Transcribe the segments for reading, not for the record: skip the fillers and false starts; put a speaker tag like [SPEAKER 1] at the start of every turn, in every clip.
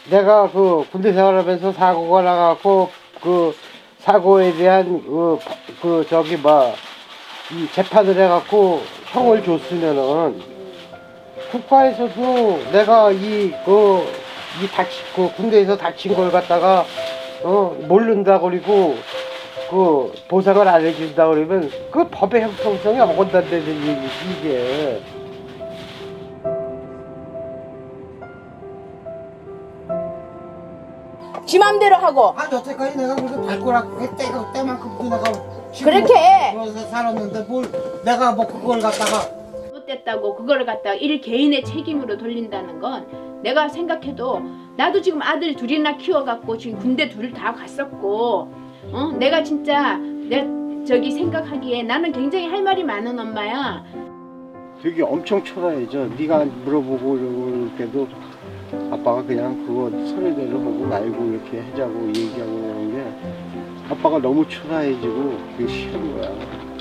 [SPEAKER 1] 내가 그 군대 생활하면서 사고가 나갖고 그 사고에 대한 저기 이 재판을 해갖고 형을 줬으면은 국가에서도 내가 군대에서 다친 걸 갖다가 모른다 그리고 그 보상을 안 해준다 그러면 그 법의 형평성이 어긋난다는 얘기지 이게.
[SPEAKER 2] 지 맘대로 하고
[SPEAKER 1] 아 여태까지 내가 그렇게 발꼬락 때만큼도 내가
[SPEAKER 2] 그렇게
[SPEAKER 1] 그래서 살았는데 뭘 내가 뭐 그걸 갖다가
[SPEAKER 2] 잘못됐다고 그거를 갖다가 일 개인의 책임으로 돌린다는 건 내가 생각해도 나도 지금 아들 둘이나 키워갖고 지금 군대 둘 다 갔었고 내가 진짜 저기 생각하기에 나는 굉장히 할 말이 많은 엄마야.
[SPEAKER 1] 되게 엄청 초라해져. 네가 물어보고 이러고 그래도 아빠가 그냥 그거 서류대로 보고 말고 이렇게 하자고 얘기하고 그러는데 아빠가 너무 초라해지고 그게 싫은 거야.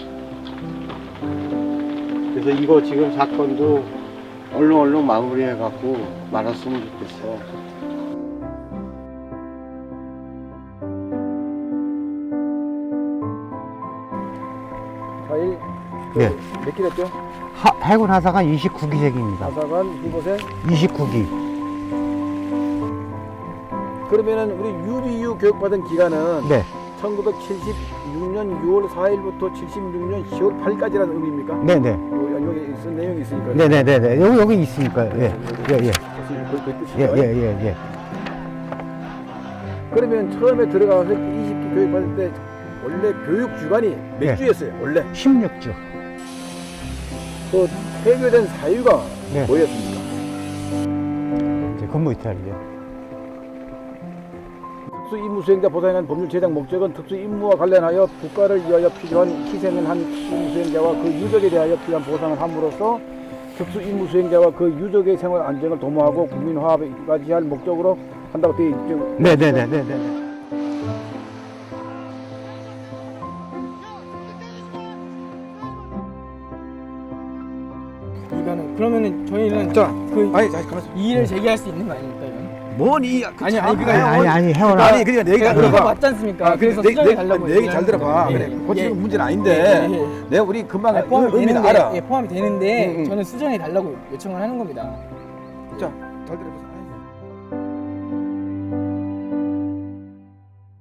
[SPEAKER 1] 그래서 이거 지금 사건도 얼른 마무리해갖고 말았으면 좋겠어.
[SPEAKER 3] 과일
[SPEAKER 4] 네.
[SPEAKER 3] 몇 킬 했죠?
[SPEAKER 4] 해군 하사관 29기생입니다.
[SPEAKER 3] 하사관 후보생
[SPEAKER 4] 29기.
[SPEAKER 3] 그러면은 우리 UBU 교육받은 기간은
[SPEAKER 4] 네.
[SPEAKER 3] 1976년 6월 4일부터 76년 10월 8일까지라는 의미입니까?
[SPEAKER 4] 네네.
[SPEAKER 3] 여기 쓴 내용이 있으니까요.
[SPEAKER 4] 네네네네. 여기 있으니까요. 예. 예, 예.
[SPEAKER 3] 그 뜻이죠.
[SPEAKER 4] 예, 예, 예, 예.
[SPEAKER 3] 그러면 처음에 들어가서 20기 교육받을 때 원래 교육 주간이 몇
[SPEAKER 4] 네.
[SPEAKER 3] 주였어요? 원래
[SPEAKER 4] 16주.
[SPEAKER 3] 그 폐교된 사유가
[SPEAKER 4] 네.
[SPEAKER 3] 뭐였습니까?
[SPEAKER 4] 이제 근무 이탈이요.
[SPEAKER 3] 특수 임무 수행자 보상에 관한 법률 제정 목적은 특수 임무와 관련하여 국가를 위하여 필요한 희생을 한 임무 수행자와 그 유족에 대하여 필요한 보상을 함으로써 특수 임무 수행자와 그 유족의 생활 안정을 도모하고 국민 화합에 이바지할 목적으로 한다고 되어 있죠.
[SPEAKER 4] 네네네네네.
[SPEAKER 5] 이거는 그러면은 저희는
[SPEAKER 3] 아니 가만있어.
[SPEAKER 5] 이의를 제기할 수 있는 거 아닙니까? 이건?
[SPEAKER 3] 뭐니?
[SPEAKER 5] 아니 그거
[SPEAKER 4] 아니, 해원아.
[SPEAKER 3] 아니 그러니까 내 얘기 잘
[SPEAKER 5] 그거
[SPEAKER 3] 들어봐.
[SPEAKER 5] 맞지 않습니까? 그래서 수정해 달라고
[SPEAKER 3] 내 얘기 잘 들어봐.
[SPEAKER 5] 예,
[SPEAKER 3] 그래.
[SPEAKER 5] 예.
[SPEAKER 3] 고치는
[SPEAKER 5] 예.
[SPEAKER 3] 문제는 아닌데
[SPEAKER 5] 예, 예.
[SPEAKER 3] 내가 우리 금방
[SPEAKER 5] 포함이
[SPEAKER 3] 의미는
[SPEAKER 5] 되는데
[SPEAKER 3] 알아.
[SPEAKER 5] 예, 포함이 되는데
[SPEAKER 3] 응, 응.
[SPEAKER 5] 저는 수정해 달라고 요청을 하는 겁니다.
[SPEAKER 3] 자, 잘 들어보세요.